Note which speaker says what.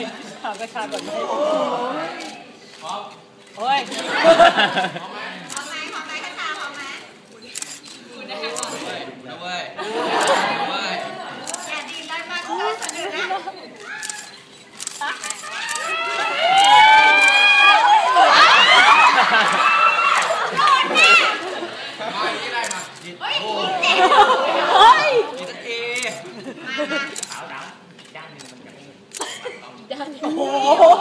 Speaker 1: ถามกระชากก่อนไหมพร้อมโอ้ยพร้อมไหมกระชากพร้อมไหมคุณได้ก่อนนะเว้ยอย่าดีได้มากเลยเสนอนะเฮ้ยเอขาวดำด้านนึงมันจะโอ้โห